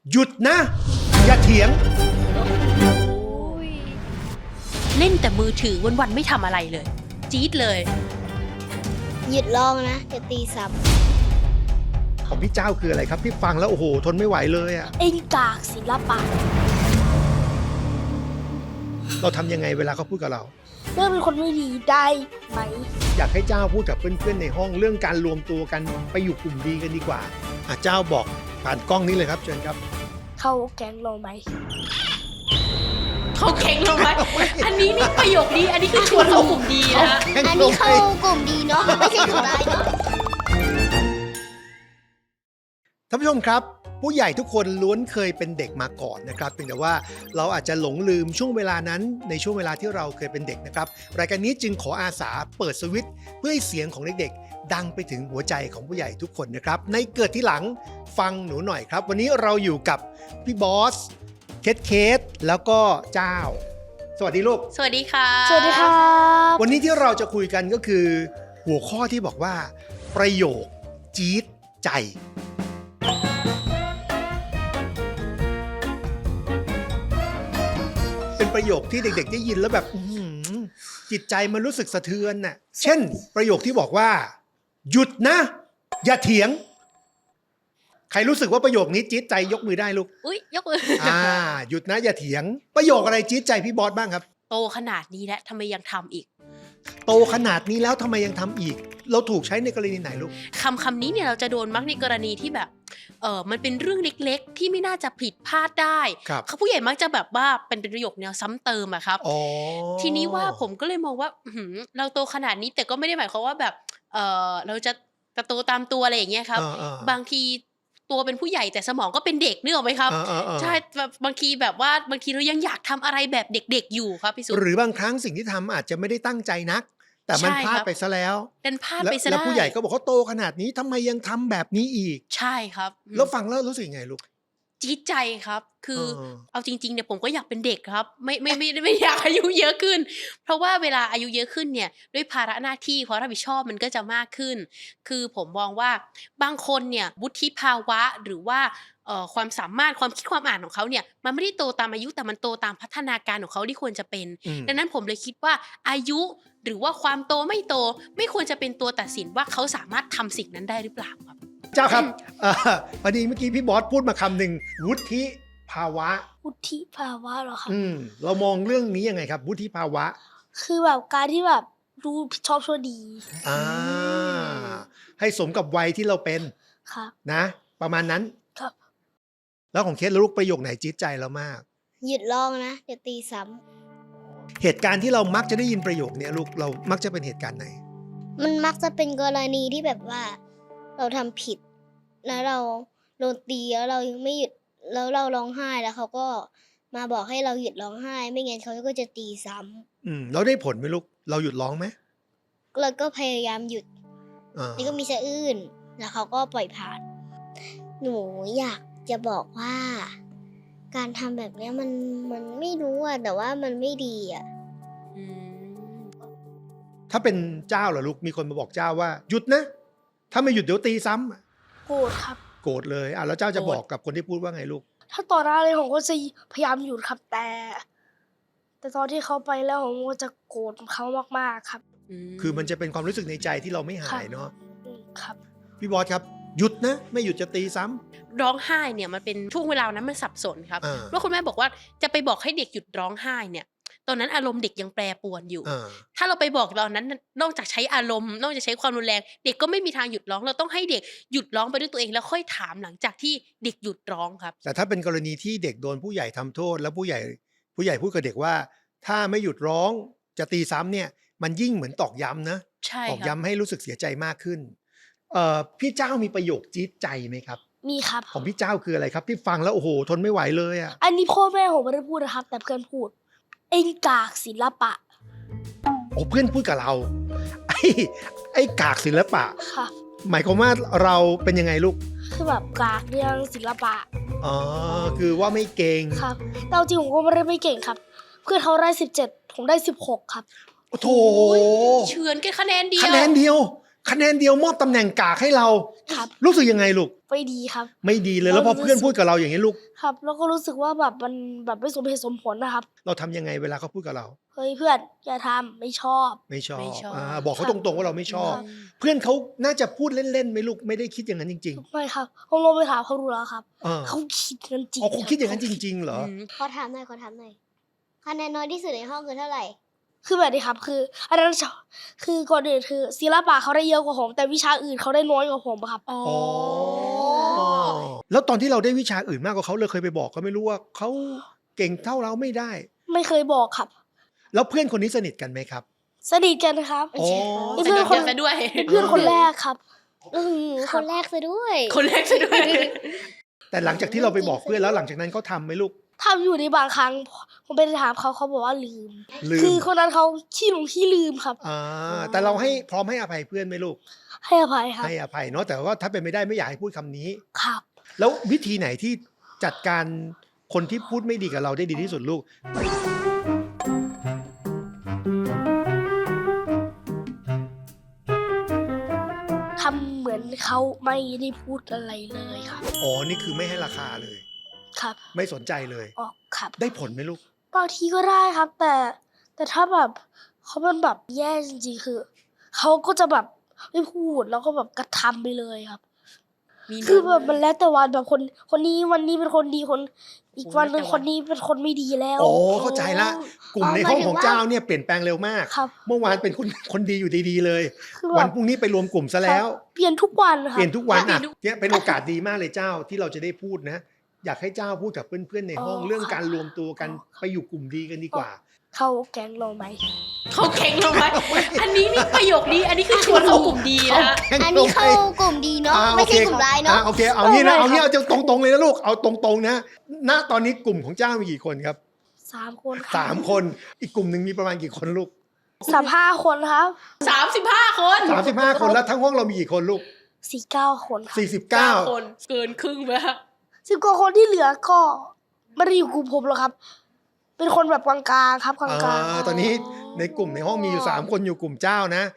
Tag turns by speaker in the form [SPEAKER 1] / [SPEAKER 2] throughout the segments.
[SPEAKER 1] หยุดนะอย่าเถียง
[SPEAKER 2] เล่นแต่มือถือวันๆไม่ทำอะไรเลยจี๊ดเลย
[SPEAKER 3] หยุดร้องนะจะตีซ้
[SPEAKER 1] ของพี่เจ้าคืออะไรครับพี่ฟังแล้วโอ้โหทนไม่ไหวเลยอะ
[SPEAKER 3] ำเอ็นกากศิลปะ
[SPEAKER 1] เราทำยังไงเวลาเขาพูดกับเรา
[SPEAKER 3] เรื่องเป็นคนไม่ดีได้ไหม
[SPEAKER 1] อยากให้เจ้าพูดกับเพื่อนๆในห้องเรื่องการรวมตัวกันไปอยู่กลุ่มดีกันดีกว่าเจ้าบอกผ่านกล้องนี้เลยครับเชิญครับ
[SPEAKER 3] เข้าแก๊งเราไหม
[SPEAKER 2] เขาแข่งลงไหมอันนี้นี่ประโยคนี้อันนี้คือชวนเรากลุ่มดีนะ
[SPEAKER 3] อันนี้เข้ากลุ่มดีเนาะไม่ใช่เขาได้เนาะ
[SPEAKER 1] ท่านผู้ชมครับผู้ใหญ่ทุกคนล้วนเคยเป็นเด็กมาก่อนนะครับเพียงแต่ว่าเราอาจจะหลงลืมช่วงเวลานั้นในช่วงเวลาที่เราเคยเป็นเด็กนะครับรายการนี้จึงขออาสาเปิดสวิตช์เพื่อให้เสียงของเด็กๆดังไปถึงหัวใจของผู้ใหญ่ทุกคนนะครับในเกิดที่หลังฟังหนูหน่อยครับวันนี้เราอยู่กับพี่บอสเคสแล้วก็เจ้าสวัสดีลูก
[SPEAKER 2] สวัสดีค่ะ
[SPEAKER 3] สวัสดีครับ
[SPEAKER 1] วันนี้ที่เราจะคุยกันก็คือหัวข้อที่บอกว่าประโยคจี๊ดใจเป็นประโยคที่เด็กๆได้ยินแล้วแบบจิตใจมันรู้สึกสะเทือนน่ะเช่นประโยคที่บอกว่าหยุดนะอย่าเถียงใครรู้สึกว่าประโยคนี้จี๊ดใจยกมือได้ลูก
[SPEAKER 2] อุ๊ยยกมือ
[SPEAKER 1] หยุดนะอย่าเถียงประโยคอะไรจี๊ดใจพี่บอสบ้างครับ
[SPEAKER 2] โตขนาดนี้แล้วทำไมยังทำอีก
[SPEAKER 1] โตขนาดนี้แล้วทำไมยังทำอีกเราถูกใช้ในกรณีไหนลูก
[SPEAKER 2] คำนี้เนี่ยเราจะโดนมักในกรณีที่แบบมันเป็นเรื่องเล็กๆที่ไม่น่าจะผิดพลาดได้เขาผู้ใหญ่มักจะแบบว่าเป็นประโยคแนวซ้ำเติมอะครับทีนี้ว่าผมก็เลยมองว่าเราโตขนาดนี้แต่ก็ไม่ได้หมายความว่าแบบเราจะโตตามตัวอะไรอย่างเงี้ยครับบางทีตัวเป็นผู้ใหญ่แต่สมองก็เป็นเด็กนึกออกไหมครับใช่บางทีแบบว่าบางทีเรายังอยากทำอะไรแบบเด็กๆอยู่ครับพี่สุ
[SPEAKER 1] หรือบางครั้งสิ่งที่ทำอาจจะไม่ได้ตั้งใจนักแต่มันพลาดไปซะแล้ว
[SPEAKER 2] เป็นพลาดไปซะ
[SPEAKER 1] แล้วผู้ใหญ่ก็บอกเขาโตขนาดนี้ทำไมยังทำแบบนี้อีก
[SPEAKER 2] ใช่ครับ
[SPEAKER 1] แล้วฟังแล้วรู้สึกไงลูก
[SPEAKER 2] จี๊ดใจครับคือเอาจริงๆเนี่ยผมก็อยากเป็นเด็กครับไม่อยากอายุเยอะขึ้นเพราะว่าเวลาอายุเยอะขึ้นเนี่ยด้วยภาระหน้าที่ความรับผิดชอบมันก็จะมากขึ้นคือผมมองว่าบางคนเนี่ยวุฒิภาวะหรือว่าความสามารถความคิดความอ่านของเขาเนี่ยมันไม่ได้โตตามอายุแต่มันโตตามพัฒนาการของเขาที่ควรจะเป็นดังนั้นผมเลยคิดว่าอายุหรือว่าความโตไม่โตไม่ควรจะเป็นตัวตัดสินว่าเขาสามารถทำสิ่งนั้นได้หรือเปล่าครับ
[SPEAKER 1] เจ้าครับพอดีเมื่อกี้พี่บอสพูดมาคำหนึ่งวุฒิภาวะ
[SPEAKER 3] วุฒิภาวะเหรอครับ
[SPEAKER 1] เรามองเรื่องนี้ยังไงครับวุฒิภาวะ
[SPEAKER 3] คือแบบการที่แบบรู้ผิดชอบชั่วดี
[SPEAKER 1] ให้สมกับวัยที่เราเป็นนะประมาณนั้น
[SPEAKER 3] ครับ
[SPEAKER 1] แล้วของเคสลูกประโยคไหนจี๊ดใจเรามาก
[SPEAKER 3] หยุดร้องนะจะตีซ้
[SPEAKER 1] ำเหตุการณ์ที่เรามักจะได้ยินประโยคนี้ลูกเรามักจะเป็นเหตุการณ์ไหน
[SPEAKER 3] มันมักจะเป็นกรณีที่แบบว่าเราทำผิดแล้วเราโดนตีแล้วเรายังไม่หยุดแล้วเราร้องไห้แล้วเขาก็มาบอกให้เราหยุดร้องไห้ไม่งั้นเขาก็จะตีซ้
[SPEAKER 1] ำเราได้ผลไหมลูกเราหยุดร้องไหม
[SPEAKER 3] เราก็พยายามหยุดนี่ก็มีสะอื้นแล้วเขาก็ปล่อยผ่านหนูอยากจะบอกว่าการทำแบบนี้มันไม่รู้อะแต่ว่ามันไม่ดีอะ
[SPEAKER 1] ถ้าเป็นเจ้าเหรอลูกมีคนมาบอกเจ้าว่าหยุดนะถ้าไม่หยุดเดี๋ยวตีซ้
[SPEAKER 3] ำโกรธครับ
[SPEAKER 1] โกรธเลยแล้วเจ้าจะบอกกับคนที่พูดว่าไงลูก
[SPEAKER 3] ถ้าต่อหน้าเลยผมก็จะพยายามหยุดครับแต่ตอนที่เขาไปแล้วผมก็จะโกรธเขามากๆครับ
[SPEAKER 1] คือมันจะเป็นความรู้สึกในใจที่เราไม่หายเนาะ
[SPEAKER 3] ครับ
[SPEAKER 1] พี่บอสครับหยุดนะไม่หยุดจะตีซ้
[SPEAKER 2] ำร้องไห้เนี่ยมันเป็นช่วงเวลานั้นมันสับสนครับว่าคุณแม่บอกว่าจะไปบอกให้เด็กหยุดร้องไห้เนี่ยตอนนั้นอารมณ์เด็กยังแปรปรวนอยู่ถ้าเราไปบอกตอนนั้นนอกจากใช้อารมณ์นอกจากใช้ความรุนแรงเด็กก็ไม่มีทางหยุดร้องเราต้องให้เด็กหยุดร้องไปด้วยตัวเองแล้วค่อยถามหลังจากที่เด็กหยุดร้องครับ
[SPEAKER 1] แต่ถ้าเป็นกรณีที่เด็กโดนผู้ใหญ่ทำโทษแล้วผู้ใหญ่พูดกับเด็กว่าถ้าไม่หยุดร้องจะตีซ้ำเนี่ยมันยิ่งเหมือนตอกย้ำนะตอกย้ำให้รู้สึกเสียใจมากขึ้นพี่เจ้ามีประโยคจี๊ดใจไหมครับ
[SPEAKER 3] มีครับ
[SPEAKER 1] ของพี่เจ้าคืออะไรครับที่ฟังแล้วโอ้โหทนไม่ไหวเลยอ่ะ
[SPEAKER 3] อันนี้พ่อแม่ผมไม่ได้พูดนะครับแต่เพื่อนพูดเอ็นกากศิลปะ
[SPEAKER 1] เพื่อนพูดกับเราไอ้กากศิลปะค่ะหมายความว่าเราเป็นยังไงลูก
[SPEAKER 3] คือแบบกากเรื่องศิลปะ
[SPEAKER 1] คือว่าไม่เก่ง
[SPEAKER 3] ครับแต่จริงผมก็ไม่ได้ไม่เก่งครับเพื่อนเขาได้17ผมได้16ครับ
[SPEAKER 1] โอ้โถ
[SPEAKER 2] เฉือนกันคะแนนเดียว
[SPEAKER 1] คะแนนเดียวมอบตำแหน่งกากให้เรา
[SPEAKER 4] ครับ
[SPEAKER 1] รู้สึกยังไงลูก
[SPEAKER 4] ไม่ดีครับ
[SPEAKER 1] ไม่ดีเลยแล้วพอเพื่อนพูดกับเราอย่างนี้ลูก
[SPEAKER 4] ครับ แล้วก็รู้สึกว่าแบบมันแบบไม่สมเหตุสมผลนะครับ
[SPEAKER 1] เราทำยังไงเวลาเขาพูดกับเรา
[SPEAKER 4] เฮ้ยเพื่อนอย่าทำไม่ชอบ
[SPEAKER 1] ไม่ชอบ
[SPEAKER 2] ไม่ชอบ
[SPEAKER 1] บอกเขาตรงๆว่าเราไม่ชอบ
[SPEAKER 4] ครับ
[SPEAKER 1] เพื่อนเขาน่าจะพูดเล่นๆไหมลูกไม่ได้คิดอย่างนั้นจริง
[SPEAKER 4] ไม่ครับผมลงไปถามเขาดูแล้วครับ
[SPEAKER 1] ๆเออ
[SPEAKER 4] เขาคิดกันจริง
[SPEAKER 1] อ๋อเขาคิดอย่างนั้น
[SPEAKER 4] รับ
[SPEAKER 1] จริง ๆ เหรอ
[SPEAKER 2] อืม
[SPEAKER 3] ขอถามหน่อยคะแนนน้อยที่สุดในห้องคือเท่าไหร่
[SPEAKER 4] คือแบบนี้ครับ คืออันนั้นคือก่อนอื่นคือศิลปะเขาได้เยอะกว่าผม แต่วิชาอื่นเขาได้น้อยกว่าผมครับ
[SPEAKER 2] อ๋อ
[SPEAKER 1] อ๋อแล้วตอนที่เราได้วิชาอื่นมากกว่าเขาเลยเคยไปบอกเขาไม่รู้ว่าเขาเก่งเท่าเราไม่ได้
[SPEAKER 4] ไม่เคยบอกครับ
[SPEAKER 1] แล้วเพื่อนคนนี้สนิทกันไหมครับ
[SPEAKER 4] สนิทกันครับ
[SPEAKER 1] อ๋อ
[SPEAKER 4] นี่
[SPEAKER 2] ส
[SPEAKER 4] เพื่
[SPEAKER 2] นิ
[SPEAKER 4] อน
[SPEAKER 2] ท
[SPEAKER 4] คน
[SPEAKER 2] กันซะด้วย
[SPEAKER 4] เพื่อนคนแรกครับ
[SPEAKER 3] คนแรกซะด้วย
[SPEAKER 2] คนแรกซะด้วย
[SPEAKER 1] แต่หลังจากที่เราไปบอกเพื่อนแล้วหลังจากนั้นเขาทำไหมลูก
[SPEAKER 4] ทำอยู่ในบางครั้ง ผมไปถามเขาเขาบอกว่าลืม
[SPEAKER 1] ลืม
[SPEAKER 4] คือคนนั้นเขาขี้หลงขี้ลืมครับ
[SPEAKER 1] แต่เราให้พร้อมให้อภัยเพื่อนไหมลูก
[SPEAKER 4] ให้อภัยครับ
[SPEAKER 1] ให้อภัยเนาะแต่ว่าถ้าเป็นไม่ได้ไม่อยากให้พูดคำนี้
[SPEAKER 4] ครับ
[SPEAKER 1] แล้ววิธีไหนที่จัดการคนที่พูดไม่ดีกับเราได้ดีที่สุดลูก
[SPEAKER 4] ทำเหมือนเขาไม่ได้พูดอะไรเลยครับ
[SPEAKER 1] อ๋อนี่คือไม่ให้ราคาเลย
[SPEAKER 4] ครับ
[SPEAKER 1] ไม่สนใจเลย
[SPEAKER 4] ออกครับ
[SPEAKER 1] ได้ผลไหมลูก
[SPEAKER 4] บางทีก็ได้ครับ แต่ถ้าแบบเขาเป็นแบบแย่จริงๆคือเขาก็จะแบบไม่พูดแล้วก็แบบกระทำไปเลยครับ
[SPEAKER 2] มี
[SPEAKER 4] คือแบบมันแล้วแต่วันแบบคนนี้วันนี้เป็นคนดีคนอีก
[SPEAKER 2] โอ้
[SPEAKER 4] วันหนึ่ง
[SPEAKER 2] แล้วแต่
[SPEAKER 4] คนนี้เป็นคนไม่ดีแล้ว
[SPEAKER 1] อ๋อเข้าใจละ กลุ่มในห้องของเจ้าเนี่ยเปลี่ยนแปลงเร็วมาก
[SPEAKER 4] ครับ
[SPEAKER 1] เมื่อวานเป็นคนดีอยู่ดีๆเลย
[SPEAKER 4] คือแบบ
[SPEAKER 1] วันพรุ่งนี้ไปรวมกลุ่มซะแล้ว
[SPEAKER 4] เปลี่ยนทุกวันค
[SPEAKER 1] เป
[SPEAKER 4] รับ
[SPEAKER 1] ลี่ยนทุกวันอ่ะเนี่ยเป็นโอกาสดีมากเลยเจ้าที่เราจะได้พูดนะ อยากให้เจ้าพูดกับเพื่อนๆในห้อง
[SPEAKER 4] อ๋อ
[SPEAKER 1] เรื่อง
[SPEAKER 4] ครับ
[SPEAKER 1] การรวมตัวกัน
[SPEAKER 4] อ๋อ
[SPEAKER 1] ไปอยู่กลุ่มดีกันดีกว่า
[SPEAKER 4] เข้าแก๊งเราไหม
[SPEAKER 2] เขาเก่งลงไหมอันนี้นี่ประโยคนี้ อันนี้คือชวนเข้ากลุ่มดีนะฮะ
[SPEAKER 3] อันนี้เข้ากลุ่มดีเนาะไม่ใช่กลุ่มร้ายเนาะ
[SPEAKER 1] โอเคเอางี้นะเอางี้เอาตรงๆเลยนะลูกเอาตรงๆนะณตอนนี้กลุ่มของเจ้ามีกี่คนครับ
[SPEAKER 4] 3 คนครับ
[SPEAKER 1] 3 คนอีกกลุ่มหนึ่งมีประมาณกี่คนลูก
[SPEAKER 4] 35 คนครับ
[SPEAKER 2] 35 คน
[SPEAKER 1] 35 คนแล้วทั้งห้องเรามีกี่คนลูก
[SPEAKER 4] 49 คนครับ
[SPEAKER 2] 9 ค
[SPEAKER 1] 49
[SPEAKER 2] นเกินครึ่งไปแล้ว
[SPEAKER 4] 10 กว่าคนที่เหลือก็ไม่ได้อยู่กลุ่มผมหรอกครับ เป็นคนแบบกลางๆครับกลางๆ
[SPEAKER 1] ตอนนี้ในกลุ่มในห้องมีอยู่3คนอยู่กลุ่มเจ้านะ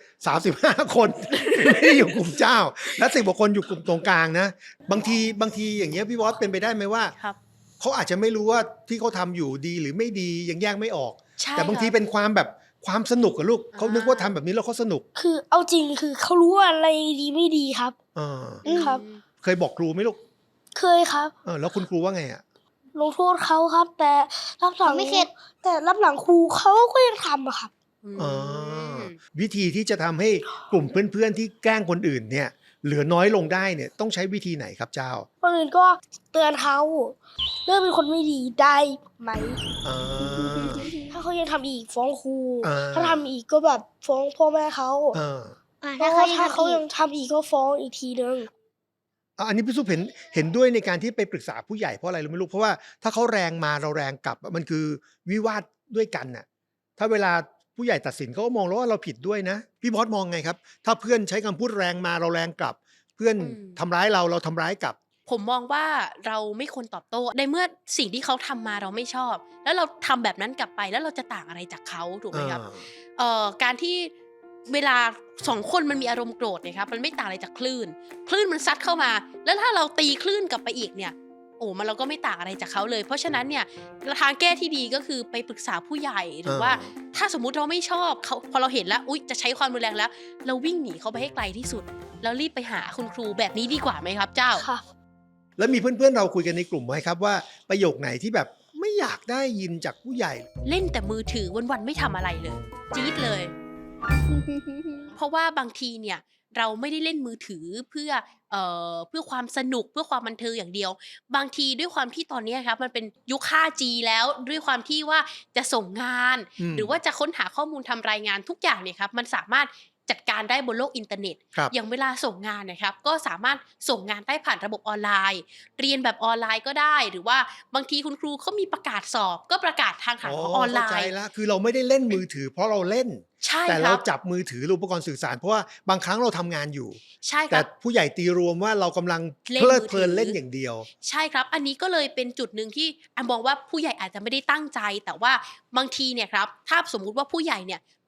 [SPEAKER 1] 35 คนไม่ได้อยู่กลุ่มเจ้า และ10 กว่าคนอยู่กลุ่มตรงกลางนะบางทีอย่างเงี้ยพี่บอสเป็นไปได้ไหมว่า
[SPEAKER 2] ครับ
[SPEAKER 1] เขาอาจจะไม่รู้ว่าที่เขาทำอยู่ดีหรือไม่ดียังแยกไม่ออก
[SPEAKER 2] ใช่
[SPEAKER 1] แต่บางที
[SPEAKER 2] ครับ
[SPEAKER 1] เป็นความแบบความสนุกกับลูกเขา
[SPEAKER 2] อ่านึ
[SPEAKER 1] นึกว่าทำแบบนี้แล้วเขาสนุก
[SPEAKER 4] คือเอาจริงคือเขารู้ว่าอะไรดีไม่ดีครับ
[SPEAKER 1] เออ
[SPEAKER 4] ครับ
[SPEAKER 1] เคยบอกครูไหมลูก
[SPEAKER 4] เคยครับ
[SPEAKER 1] แล้วคุณครูว่าไงอ่ะ
[SPEAKER 4] ลงโทษเขาครับ แต่รับหลัง
[SPEAKER 3] ไม่เข็ด
[SPEAKER 4] แต่รับหลังครูเขาก็ยังทำอะครับ
[SPEAKER 1] อ๋อวิธีที่จะทำให้กลุ่มเพื่อนๆที่แกล้งคนอื่นเนี่ย เหลือน้อยลงได้เนี่ยต้องใช้วิธีไหนครับเจ้า
[SPEAKER 4] คนอื่นก็เตือนเขาเลิกเป็นคนไม่ดีได้ไหม
[SPEAKER 1] อ่า
[SPEAKER 4] ถ้าเขายังทำอีกฟ้องครู
[SPEAKER 1] อ่า
[SPEAKER 4] ถ้าทำอีกก็แบบฟ้องพ่อแม่เขา
[SPEAKER 1] อ่า
[SPEAKER 4] ถ้า
[SPEAKER 3] ถ้า
[SPEAKER 4] เขา
[SPEAKER 3] เขา
[SPEAKER 4] ยังทำอีกก็ฟ้องอีกทีนึง
[SPEAKER 1] อันนี้พี่ซุปเห็นด้วยในการที่ไปปรึกษาผู้ใหญ่เพราะอะไรรู้ไหมลูกเพราะว่าถ้าเขาแรงมาเราแรงกลับมันคือวิวาทด้วยกันน่ะถ้าเวลาผู้ใหญ่ตัดสินเขาก็มองแล้วว่าเราผิดด้วยนะพี่บอสมองไงครับ ถ้าเพื่อนใช้คำพูดแรงมาเราแรงกลับ เพื่อนทำร้ายเราทำร้ายกลับ
[SPEAKER 2] ผมมองว่าเราไม่ควรตอบโต้ในเมื่อสิ่งที่เขาทำมาเราไม่ชอบ แล้วเราทำแบบนั้นกลับไปแล้วเราจะต่างอะไรจากเขาถูกไหมครับการที่เวลา2 คนมันมีอารมณ์โกรธเนี่ยครับมันไม่ต่างอะไรจากคลื่นมันซัดเข้ามา แล้วถ้าเราตีคลื่นกลับไปอีกเนี่ยมันเราก็ไม่ต่างอะไรจากเขาเลย เพราะฉะนั้นเนี่ยทางแก้ที่ดีก็คือไปปรึกษาผู้ใหญ่หรือว่าถ้าสมมุติเราไม่ชอบเขาพอเราเห็นแล้วอุ๊ยจะใช้ความรุนแรงแล้ว เราวิ่งหนีเขาไปให้ไกลที่สุดแล้วรีบไปหาคุณครูแบบนี้ดีกว่าไหมครับเจ้า
[SPEAKER 4] ค่ะ
[SPEAKER 1] แล้วมีเพื่อนๆเราคุยกันในกลุ่มไหมครับว่าประโยคไหนที่แบบไม่อยากได้ยินจากผู้ใหญ่
[SPEAKER 2] เล่นแต่มือถือวันๆไม่ทำอะไรเลยจี๊ดเลย เพราะว่าบางทีเนี่ยเราไม่ได้เล่นมือถือเพื่อความสนุกเพื่อความบันเทิงอย่างเดียว บางทีด้วยความที่ตอนนี้ครับมันเป็นยุค 5G แล้วด้วยความที่ว่าจะส่งงาน หรือว่าจะค้นหาข้อมูลทำรายงานทุกอย่างเนี่ยครับมันสามารถจัดการได้บนโลกอินเทอร์เน็ต
[SPEAKER 1] ครับ
[SPEAKER 2] อย่างเวลาส่งงานนะครับก็สามารถส่งงานได้ผ่านระบบออนไลน์ เรียนแบบออนไลน์ก็ได้ หรือว่าบางทีคุณครูเขามีประกาศสอบก็ประกาศทางหาของออนไล
[SPEAKER 1] เข้าใจ
[SPEAKER 2] น์
[SPEAKER 1] แล้วคือเราไม่ได้เล่นมือถือเพราะเราเล่น
[SPEAKER 2] ใช่
[SPEAKER 1] แต่
[SPEAKER 2] ค
[SPEAKER 1] เรา
[SPEAKER 2] รับ
[SPEAKER 1] จับมือถือหรืออุปกรณ์สื่อสารเพราะว่าบางครั้งเราทำงานอยู่
[SPEAKER 2] ใช่ค
[SPEAKER 1] แต่
[SPEAKER 2] รับ
[SPEAKER 1] ผู้ใหญ่ตีรวมว่าเรากำลัง
[SPEAKER 2] เล่น
[SPEAKER 1] เพลิด
[SPEAKER 2] มือถือ
[SPEAKER 1] เพลินเล่นอย่างเดียว
[SPEAKER 2] ใช่ครับ อันนี้ก็เลยเป็นจุดหนึ่งที่มองว่าผู้ใหญ่อาจจะไม่ได้ตั้งใจ แต่ว่าบางทีเนี่ยครับถ้าสมมุติว่าผู้ใหญ่เนี่ย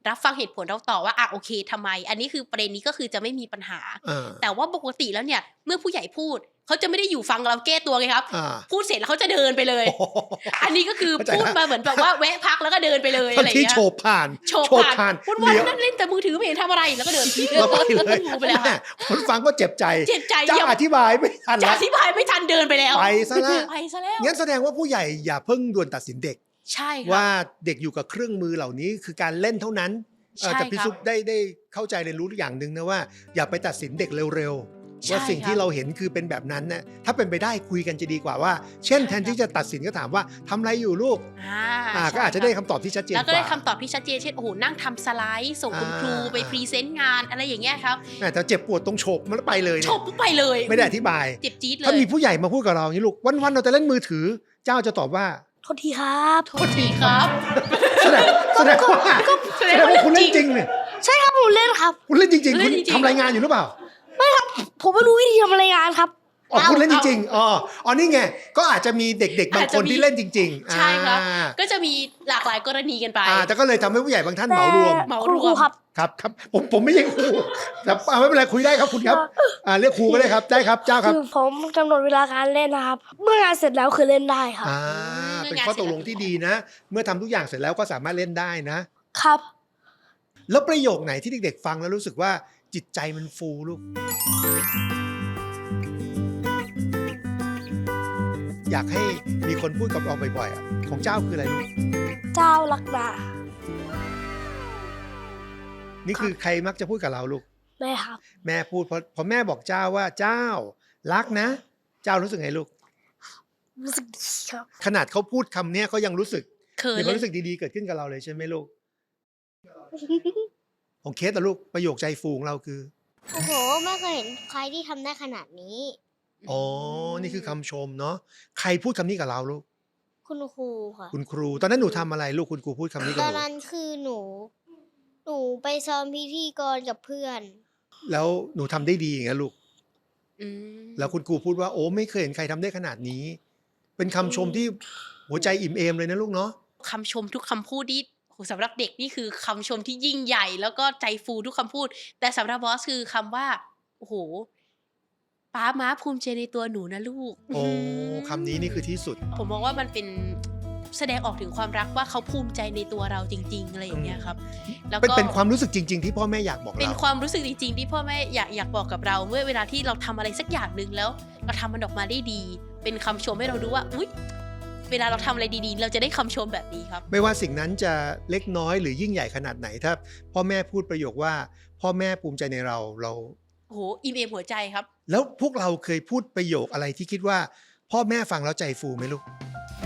[SPEAKER 2] รับฟังเหตุผลเราต่อว่าโอเคทำไม อันนี้คือประเด็นนี้ก็คือจะไม่มีปัญหา แต่ว่าปกติแล้วเนี่ยเมื่อผู้ใหญ่พูดเขาจะไม่ได้อยู่ฟังเราแก้ตัวไงครับพูดเสร็จแล้วเขาจะเดินไปเลย อันนี้ก็คือพูดมาเหมือนแบบว่าแวะพักแล้วก็เดินไปเลยอะไรอย่างเงี้ย
[SPEAKER 1] ที่โฉบผ่าน
[SPEAKER 2] วันนั่นเล่นแต่มือถือไม่เห็นทำอะไรแล้วก็เดิน
[SPEAKER 1] เราไปเลยไปแล้วคนฟังก็เจ็บใจจะอธิบายไม่ทัน
[SPEAKER 2] จะอธิบายไม่ทันเดินไปแล้ว
[SPEAKER 1] ไปซะแล้วงั้นแสดงว่าผู้ใหญ่อย่าเพิ่งด่วนตัดสินเด็ก
[SPEAKER 2] ใช่
[SPEAKER 1] ว่าเด็กอยู่กับเครื่องมือเหล่านี้คือการเล่นเท่านั้นแต่พี่ซุปได้เข้าใจเรียนรู้อย่างหนึ่งนะว่าอย่าไปตัดสินเด็กเร็วๆว่าสิ่งที่เราเห็นคือเป็นแบบนั้นนะถ้าเป็นไปได้คุยกันจะดีกว่าว่าเช่นแทนที่จะตัดสินก็ถามว่าทำอะไรอยู่ลูกก็อาจจะได้คำตอบที่ชัดเจนกว่า
[SPEAKER 2] แล้วก็ได้คำตอบที่ชัดเจนเช่นโอ้โหนั่งทำสไลด์ส่งคุณครูไปพรีเซนต์งานอะไรอย่างเงี้ยครับ
[SPEAKER 1] แต่เจ็บปวดตรงโฉบมันไปเลย
[SPEAKER 2] โฉบไปเลย
[SPEAKER 1] ไม่ได้อธิบาย
[SPEAKER 2] เจ็บจี๊ดเลย
[SPEAKER 1] ถ้ามีผู้ใหญ่มาพูดกับเราอย่างนี้ลูกวันๆเราจะเล่นมือถือเจ้าจะตอบว่า
[SPEAKER 4] โทษทีครับ
[SPEAKER 2] โทษทีครับ
[SPEAKER 1] แสดงว่าคุณเล่นจริงเนี่ย
[SPEAKER 4] ใช่ครับผมเล่นครับ
[SPEAKER 1] คุณเล่นจริงๆคุณทำรายงานอยู่หรือเปล่า
[SPEAKER 4] ไม่ครับผมไม่รู้วิธีทำรายงานครับ
[SPEAKER 1] คุณเล่นจริงๆอ๋อนี่ไงก็อาจจะมีเด็กๆบางคนที่เล่นจริง
[SPEAKER 2] ๆใช่ครับก็จะมีหลากหลายกรณีกันไป
[SPEAKER 1] แต่ก็เลยทำให้ผู้ใหญ่บางท่านเหมารวมครับผมไม่ใช่ครูแต่ไม่เป็นไรคุยได้ครับคุณครับเรียกครูก็ได้ครับได้ครับเจ้าครับ
[SPEAKER 4] คือผมกำหนดเวลาการเล่นนะครับเมื่องานเสร็จแล้วคือเล่นได้ครับ
[SPEAKER 1] เป็นข้อตกลงที่ดีนะเมื่อทำทุกอย่างเสร็จแล้วก็สามารถเล่นได้
[SPEAKER 4] นะครับ
[SPEAKER 1] แล้วประโยคไหนที่เด็กๆฟังแล้วรู้สึกว่าจิตใจมันฟูลูกอยากให้มีคนพูดกับเราบ่อยๆของเจ้าคืออะไรลูก
[SPEAKER 4] เจ้ารักนา
[SPEAKER 1] นี่คือใครมักจะพูดกับเราลูก
[SPEAKER 4] แม่ครับ
[SPEAKER 1] แม่พูดพอแม่บอกเจ้าว่าเจ้ารักนะเจ้ารู้สึกไงลูก
[SPEAKER 4] รู้สึกดีครับ
[SPEAKER 1] ขนาดเขาพูดคำนี้เขายังรู้สึกมีความรู้สึกดีๆเกิดขึ้นกับเราเลยใช่ไหมลูกของเคสแต่ลูกประโยคใจฟูของเราคือ
[SPEAKER 3] โอ้โหไม่เคยเห็นใครที่ทำได้ขนาดนี้
[SPEAKER 1] นี่คือคำชมเนาะใครพูดคำนี้กับเราลูก
[SPEAKER 3] คุณครูค่ะ
[SPEAKER 1] คุณครูตอนนั้นหนูทำอะไรลูกคุณครูพูดคำนี้กับหนู
[SPEAKER 3] ตอนนั้นคือหนูไปซ้อมพิธีกรกับเพื่อน
[SPEAKER 1] แล้วหนูทำได้ดีอย่างนี้ลูกแล้วคุณครูพูดว่าโอ้ไม่เคยเห็นใครทำได้ขนาดนี้เป็นคำชมที่หัวใจอิ่มเอมเลยนะลูกเนาะ
[SPEAKER 2] คำชมทุกคำพูดที่สำหรับเด็กนี่คือคำชมที่ยิ่งใหญ่แล้วก็ใจฟูทุกคำพูดแต่สำหรับบอสคือคำว่าโอ้โหป้าม้าภูมิใจในตัวหนูนะลูก
[SPEAKER 1] คำนี้นี่คือที่สุด
[SPEAKER 2] ผมมองว่ามันเป็นแสดงออกถึงความรักว่าเขาภูมิใจในตัวเราจริงๆอะไรอย่างเงี้ยครับ
[SPEAKER 1] แล้วก็เป็นความรู้สึกจริงๆที่พ่อแม่อยากบอกเรา
[SPEAKER 2] เป็นความรู้สึกจริงๆที่พ่อแม่อยากบอกกับเราเมื่อเวลาที่เราทำอะไรสักอย่างนึงแล้วเราทำมันออกมาได้ดีเป็นคำชมให้เราดูว่าอุ๊ยเวลาเราทำอะไรดีๆเราจะได้คำชมแบบนี้ครับ
[SPEAKER 1] ไม่ว่าสิ่งนั้นจะเล็กน้อยหรือยิ่งใหญ่ขนาดไหนถ้าพ่อแม่พูดประโยคว่าพ่อแม่ภูมิใจในเรา
[SPEAKER 2] โอ้โหอิ่มเอมหัวใจครับ
[SPEAKER 1] แล้วพวกเราเคยพูดประโยคอะไรที่คิดว่าพ่อแม่ฟังแล้วใจฟูไหมลูก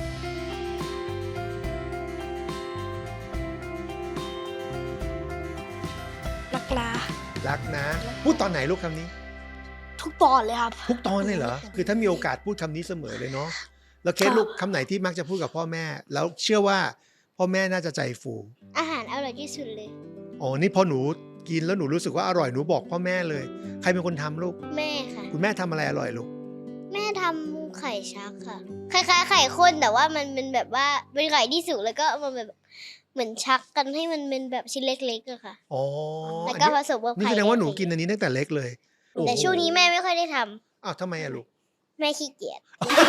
[SPEAKER 1] รักนะพูดตอนไหนลูกคำนี้
[SPEAKER 4] ทุกตอนเลยครับ
[SPEAKER 1] ทุกตอนเลยเหรอคือถ้ามีโอกาสพูดคำนี้เสมอเลยเนาะแล้วเคสลูกคำไหนที่มักจะพูดกับพ่อแม่แล้วเชื่อว่าพ่อแม่น่าจะใจฟู
[SPEAKER 3] อาหารอร่อยที่สุดเลย
[SPEAKER 1] นี่พอหนูกินแล้วหนูรู้สึกว่าอร่อยหนูบอกพ่อแม่เลยใครเป็นคนทำลูก
[SPEAKER 3] แม่ค่ะ
[SPEAKER 1] คุณแม่ทำอะไรอร่อยลูก
[SPEAKER 3] แม่ทำไข่ชักค่ะคล้ายๆไข่ข้นแต่ว่ามันเป็นแบบว่าเป็นไข่ที่สุกแล้วก็มันแบบเหมือนชักกันให้มันเป็นแบบชิ้นเล็กๆอะค่ะแล้วก็ผสมกับไข่
[SPEAKER 1] นี่แสดงว่าหนูกินอันนี้ตั้งแต่เล็กเลย
[SPEAKER 3] แต่ช่วงนี้แม่ไม่ค่อยได้ท
[SPEAKER 1] ำทำไมอะลูก
[SPEAKER 3] แม่ขี้เกียจ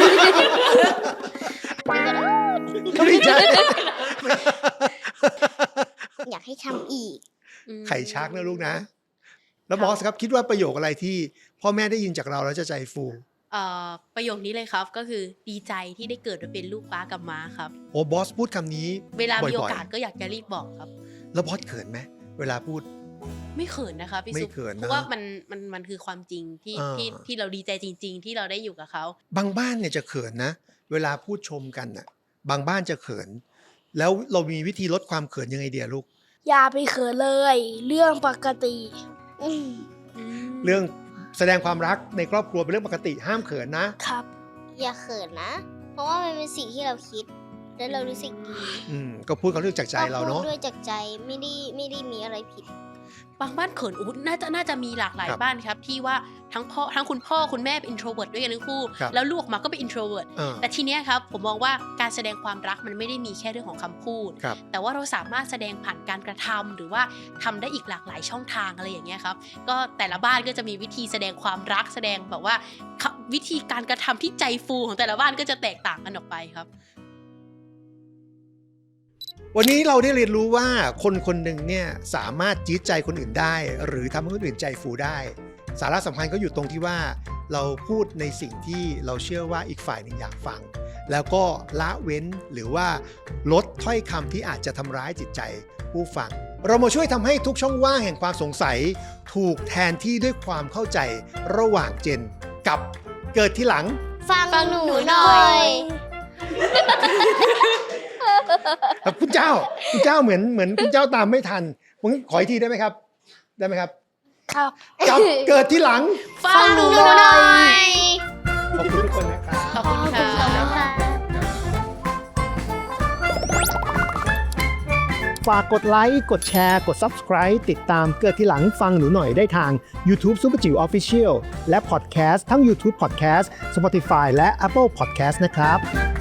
[SPEAKER 1] ไม่ใช่
[SPEAKER 3] อยากให้ทำอีก
[SPEAKER 1] ไข่ชักนะลูกนะแล้วบอสครับคิดว่าประโยคอะไรที่พ่อแม่ได้ยินจากเราแล้วจะใจฟู
[SPEAKER 2] ประโยคนี้เลยครับก็คือดีใจที่ได้เกิดมาเป็นลูกป้ากับม้าครับ
[SPEAKER 1] บอสพูดคำนี้
[SPEAKER 2] เวลามีโอกาสก็อยากจะรีบบอกครับ
[SPEAKER 1] แล้วบอสเขินไหมเวลาพูด
[SPEAKER 2] ไม่เขินนะคะพี่ซุปเพราะว่ามันคือความจริงที่เราดีใจจริงๆที่เราได้อยู่กับเขา
[SPEAKER 1] บางบ้านเนี่ยจะเขินนะเวลาพูดชมกันน่ะบางบ้านจะเขินแล้วเรามีวิธีลดความเขินยังไงเดียลูก
[SPEAKER 4] อย่าไปเขินเลยเรื่องปกติ
[SPEAKER 1] เรื่องแสดงความรักในครอบครัวเป็นเรื่องปกติห้ามเขินนะครับ
[SPEAKER 3] อย่าเขินนะเพราะว่ามันเป็นสิ่งที่เราคิดและเรารู้สึกดี
[SPEAKER 1] ก็พูดเขาเรื่องจากใจเราเนาะ
[SPEAKER 3] ด้วยจากใจไม่ได้มีอะไรผิด
[SPEAKER 2] บางบ้านเขินน่าจะมีหลากหลาย
[SPEAKER 1] ครับ
[SPEAKER 2] บ้านครับที่ว่าทั้งคุณพ่อคุณแม่เป็น introvert ด้วยกันทั้งคู่
[SPEAKER 1] ครับ
[SPEAKER 2] แล้วลูกออกมาก็เป็น introvert แต่ทีเนี้ยครับผมมองว่าการแสดงความรักมันไม่ได้มีแค่เรื่องของคำพูด
[SPEAKER 1] ครับ
[SPEAKER 2] แต่ว่าเราสามารถแสดงผ่านการกระทำหรือว่าทำได้อีกหลากหลายช่องทางอะไรอย่างเงี้ยครับก็แต่ละบ้านก็จะมีวิธีแสดงความรักแสดงแบบว่าวิธีการกระทำที่ใจฟูของแต่ละบ้านก็จะแตกต่างกันออกไปครับ
[SPEAKER 1] วันนี้เราได้เรียนรู้ว่าคนคนหนึ่งเนี่ยสามารถจี๊ดใจคนอื่นได้ หรือทำให้คนอื่นใจฟูได้ สาระสำคัญก็อยู่ตรงที่ว่าเราพูดในสิ่งที่เราเชื่อว่าอีกฝ่ายหนึ่งอยากฟัง แล้วก็ละเว้นหรือว่าลดถ้อยคำที่อาจจะทำร้ายจิตใจผู้ฟัง เรามาช่วยทำให้ทุกช่องว่างแห่งความสงสัย ถูกแทนที่ด้วยความเข้าใจระหว่างเจนกับเกิดที่หลัง
[SPEAKER 3] ฟังหนูหน่อย
[SPEAKER 1] คุณเจ้าเหมือนคุณเจ้าตามไม่ทันผมขออีกทีได้ไหมครับ ได้ไหมครับ
[SPEAKER 4] ครับ
[SPEAKER 1] กับเกิดที่หลัง
[SPEAKER 2] ฟังหนูหน่อย
[SPEAKER 1] ขอบคุณทุกคนนะครับ
[SPEAKER 2] ขอบคุณค่ะ
[SPEAKER 1] ฝากกดไลค์กดแชร์กด Subscribe ติดตามเกิดที่หลังฟังหนูหน่อยได้ทาง YouTube Super Jiu Official และ Podcast ทั้ง YouTube Podcast Spotify และ Apple Podcast นะครับ